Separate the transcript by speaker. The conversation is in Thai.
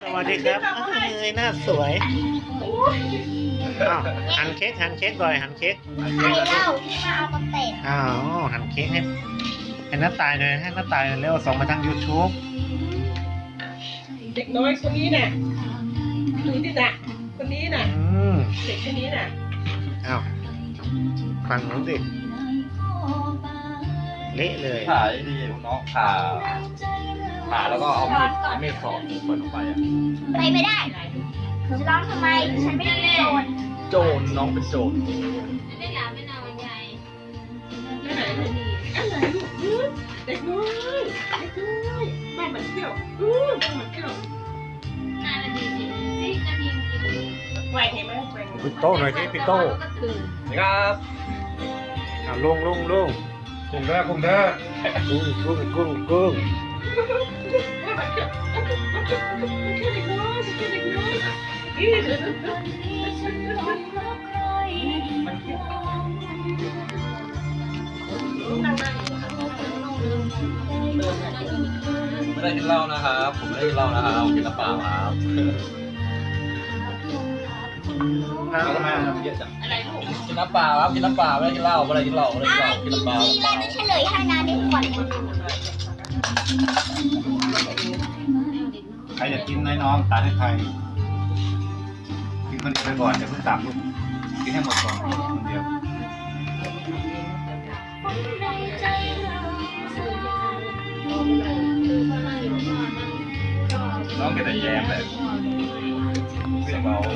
Speaker 1: วัสดีครับเอ้ยหน้าสวยอ้าวหั่นเค้กบ่อยหั่นเค้ก
Speaker 2: ใครเล่าที่มาเอามาเตะ
Speaker 1: อ้าวหั่นเค้กให้น้าตายเลยให้น้าตายเร็วส่งมาทาง YouTube
Speaker 3: เด็กน้อยคนนี้น่ะดูดิน่ะคนนี้น่ะ
Speaker 1: ม
Speaker 3: เด็กคนนี้น่ะ
Speaker 1: อ้าวฟังหนูสิเละเลย
Speaker 4: ผ่าดีน้องผ่าแล้วก็เอามีดสอดเปิดออกไปอ่ะ
Speaker 2: ไปไม่ได้จะร้องทำไมฉันไม่ได้เป็นโจร
Speaker 4: โจรน้องเป็นโจร
Speaker 3: ไม่ไหนลูกอะไรลูกเด็กน้อยบ้านมันเที่ยวบ้านมันเที่ยวแหวกเห็นไหมแหวก
Speaker 1: ปิดโต้หน่อยสิปิดโต้
Speaker 4: นะครับ
Speaker 1: อ้าวลง
Speaker 4: กุ้งเด้อ
Speaker 1: กุ้งกุ้ง
Speaker 3: บ้านมันเที่ยวเด็กน้อยเด็กน้อยนั่ง
Speaker 4: ไม่ได้กินเหล้านะครับผมไม่ได้กินเหล้านะครับกินน้ำเปล่าครับ
Speaker 1: เอามา
Speaker 4: เยอะจัง
Speaker 3: อะไรลูก
Speaker 4: กินน้ำเปล่าครับกินน้ำเปล่าไม่ได้กินเหล้าไม่ได้กินเหล้าไม่ได้กินเหล้ากินน้ำเปล่า
Speaker 2: ทีแรกจะเฉลยให้นะในขวด
Speaker 5: ใครอยากกินน้องตัดให้ใครกินคนเดียวไปก่อนเดี๋ยวเพิ่งตักลูกกินให้หมดก่อนคนเดียว น้องแกแต่แย้มเลยเสียงเบา